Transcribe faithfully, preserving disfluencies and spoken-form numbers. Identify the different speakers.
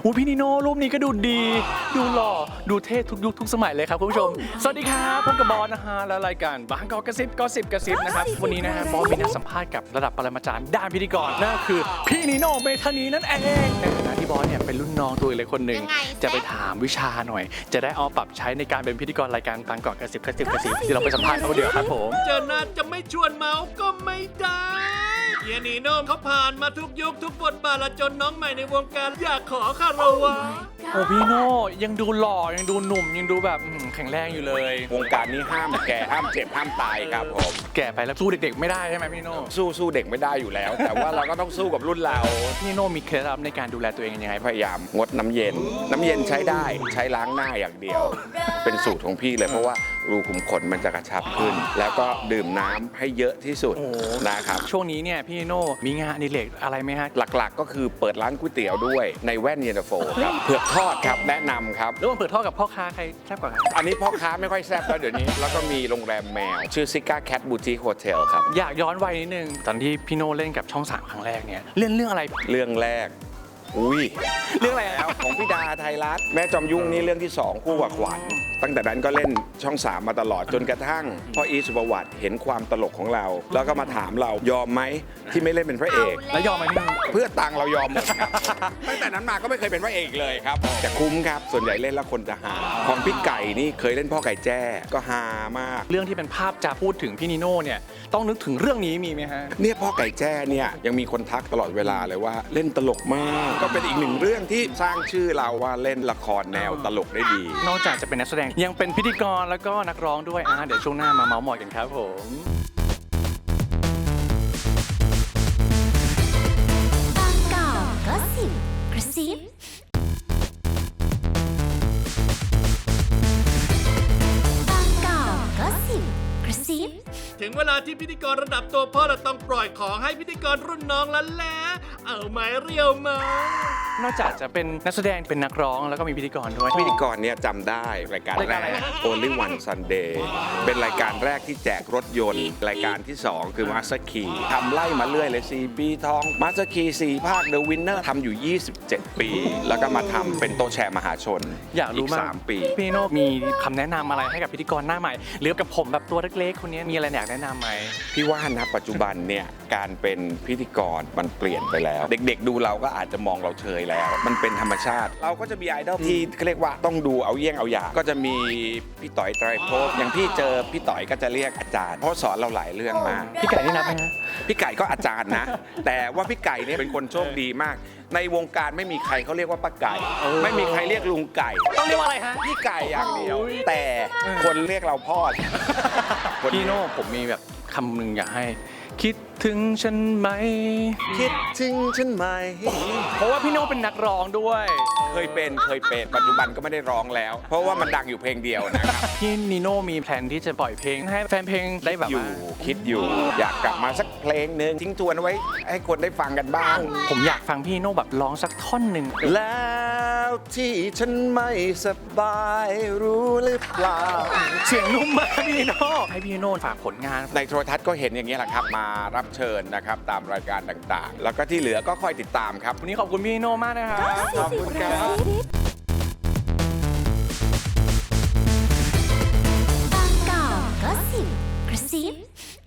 Speaker 1: อูพี่นิโน่รูปนี้ก็ดูดีดูหล่อดูเท่ทุกยุคทุกสมัยเลยครับคุณผู้ชมสวัสดีครับพบกับบอสนะฮะและรายการบางกอกกระซิบก็สิบกระซิบนะครับวันนี้นะฮะบอสมีนัดสัมภาษณ์กับระดับปรมาจารย์ด้านพิธีกรนั่นคือพี่นิโน่เมธานีนั่นเองในฐานะที่บอสเนี่ยเป็นรุ่นน้องตัวเล็กคนหนึ่งจะไปถามวิชาหน่อยจะได้เอาปรับใช้ในการเป็นพิธีกรรายการบางกอกกระซิบกระซิบกระซิบที่เราไปสัมภาษณ์เขาเดียวครับผม
Speaker 2: เจอหน้าจะไม่ชวนเมาก็ไม่ได้เฮียนีโน่เขาผ่านมาทุกยุคทุกบทบาทและจนน้องใหม่ในวงการอยากขอคารวะ
Speaker 1: โอ้พี่โน่ยังดูหล่อยังดูหนุ่มยังดูแบบแข็งแรงอยู่เลยว
Speaker 3: งการนี้ห้ามแก่ห้ามเจ็บห้ามตายครับผม
Speaker 1: แก่ไปแล้วสู้เด็กๆไม่ได้ใช่ไหมพี่โน่
Speaker 3: สู้สู้เด็กไม่ได้อยู่แล้ว แต่ว่าเราก็ต้องสู้กับรุ่นเรา
Speaker 1: พี่โน่มีเคล็ดลับในการดูแลตัวเองยังไง
Speaker 3: พยายามงดน้ำเย็น น้ำเย็นใช้ได้ใช้ล้างหน้าอย่างเดียว เป็นสูตรของพี่เลยเพราะว่ารูขุมขนมันจะกระชับขึ้น แล้วก็ดื่มน้ำให้เยอะที่สุดนะครับ
Speaker 1: ช่วงนี้เนี่ยพี่โน่มีงานอดิเรกอะไรไหมฮะ
Speaker 3: หลักๆก็คือเปิดร้านก๋วยเตี๋ยวด้วยในแว่นเย็นตาโฟครับเผือกทอดครับแนะนำครับ
Speaker 1: ระหว่างเปิดท่อกับพ่อค้าใครแซ่บกว่ากัน
Speaker 3: อันนี้พ่อค้าไม่ค่อยแซ่บแล้วเดี๋ยวนี้ แล้วก็มีโรงแรมแมว ชื่อซิก้าแคทบูติคโฮเทลครับ
Speaker 1: อยากย้อนวัยนิดนึงตอนที่พี่โน่เล่นกับช่องสามครั้งแรกเนี่ยเล่นเรื่องอะไร
Speaker 3: เรื่องแรกอุ้ย
Speaker 1: เรื่องอะไร
Speaker 3: แล้วของพี่ดาไทยรัฐแม่จอมยุ่งนี่เรื่องที่สองคู่กับขวัญตั้งแต่นั้นก็เล่นช่องสามมาตลอดจนกระทั่งพ่ออีสุภวัตเห็นความตลกของเรา แล้วก็มาถามเรายอมไหมที่ไม่เล่นเป็นพระเอก
Speaker 1: แล้วยอมไหมพี่โน่
Speaker 3: เพื่อตังค์เรายอมหมดครับ ตั้งแต่นั้นมาก็ไม่เคยเป็นพระเอกเลยครับแต่คุ้มครับส่วนใหญ่เล่นแล้วคนจะหาของพี่ไก่นี่เคยเล่นพ่อไก่แจ้ก็ฮามาก
Speaker 1: เรื่องที่เป็นภาพจะพูดถึงพี่นิโน่เนี่ยต้องนึกถึงเรื่องนี้มีไหมฮะ
Speaker 3: เนี่ยพ่อไก่แจ้เนี่ยยังมีคนทักตลอดเวลาเลยว่าเล่นตลกมาก ก็เป็นอีกหนึ่งเรื่องที่สร้างชื่อเราว่าเล่นละครแนวตลกได้ดี
Speaker 1: นอกจากจะเป็นนักแสดงยังเป็นพิธีกรแล้วก็นักร้องด้วยอ่าเดี๋ยวช่วงหน้ามาเมาส์มอยกันครับผม
Speaker 4: บางกอกก็สิบกระซิบางกอกก็สิบกระซิบ
Speaker 2: ถึงเวลาที่พิธีกรระดับตัวพ่อเราต้องปล่อยของให้พิธีกรรุ่นน้องแล้วแหละเอาไม้เรียวมาน
Speaker 1: อกจากจะเป็นนักแสดงเป็นนักร้องแล้วก็มีพิธีกรด้วย
Speaker 3: พิธีกรเนี่ยจำได้รายการ
Speaker 1: ราย
Speaker 3: แร
Speaker 1: การอะไร
Speaker 3: ก
Speaker 1: ฮะ
Speaker 3: Only One Sunday เป็นรายการแรกที่แจกรถยนต์ รายการที่ สอง คือ Master Key ทำไล่มาเรื่อยเลยสี่ปีทอง Master Key สี่ภาค The Winner ทำอยู่ ยี่สิบเจ็ด ปี แล้วก็มาทำเป็นโต๊ะแชร์มหาชน
Speaker 1: อยากรู้มาก
Speaker 3: สามปี
Speaker 1: พี่โน่มีคำแนะนำอะไรให้กับพิธีกรหน้าใหม่หรือกับผมแบบตัวเล็กๆคนนี้มีอะไรอยากแนะนำไหม
Speaker 3: พี่ว่านะปัจจุบันเนี่ยการเป็นพิธีกรมันเปลี่ยนไปแล้ว เด็กๆดูเราก็อาจจะมองเราเชยแล้ว มันเป็นธรรมชาติ เราก็จะมีไอดอลที่เขาเรียกว่าต้องดูเอาเยี่ยงเอาอย่างก็จะมีพี่ต่อยไตรภพอย่างพี่เจอพี่ต่อยก็จะเรียกอาจารย์เพราะสอนเราหลายเรื่องมาก
Speaker 1: พี่ไก่นี่นับไหมฮะ
Speaker 3: พี่ไก่ก็อาจารย์นะ แต่ว่าพี่ไก่เนี่ยเป็นคนโชคดีมาก ในวงการไม่มีใครเขาเรียกว่าป้าไก่ ไม่มีใครเรียกลุงไก่
Speaker 1: ต้องเรียกว่าอะไรฮะ
Speaker 3: พี่ไก่อย่างเดียว แต่คนเรียกเราพ่อคน
Speaker 1: พี่โน่ผมมีแบบคำหนึ่งอยากให้คิดถึงฉันไหม
Speaker 3: คิดถึงฉันไหม
Speaker 1: เพราะว่าพี่โน่เป็นนักร้องด้วย
Speaker 3: เคยเป็นเคยเป็นปัจจุบันก็ไม่ได้ร้องแล้ว เพราะว่ามันดังอยู่เพลงเดียวนะครับ
Speaker 1: พี่นิโน่มีแผนที่จะปล่อยเพลงให้แฟนเพลงได้แบบ
Speaker 3: อยู่
Speaker 1: ว่า
Speaker 3: คิดอยู่ อยากกลับมาสักเพลงหนึ่งทิ้งทวนเอาไว้ให้คนได้ฟังกันบ้าง
Speaker 1: ผมอยากฟังพี่โน่แบบร้องสักท่อนหนึ่ง
Speaker 3: แล้วที่ฉันไม่สบายรู้หรือเปล่า
Speaker 1: เสียงนุ่มมากพี่นิโน่ให้พี่นิโน่ฝากผลงาน
Speaker 3: ในโทรทัศน์ก็เห็นอย่างนี้ยแหละครับมารับเชิญนะครับตามรายการต่างๆ แล้วก็ที่เหลือก็คอยติดตามครับ
Speaker 1: วันนี้ขอบคุณพี่นิโน่มากนะครับ
Speaker 3: ขอบคุณครับ
Speaker 4: กระซิบ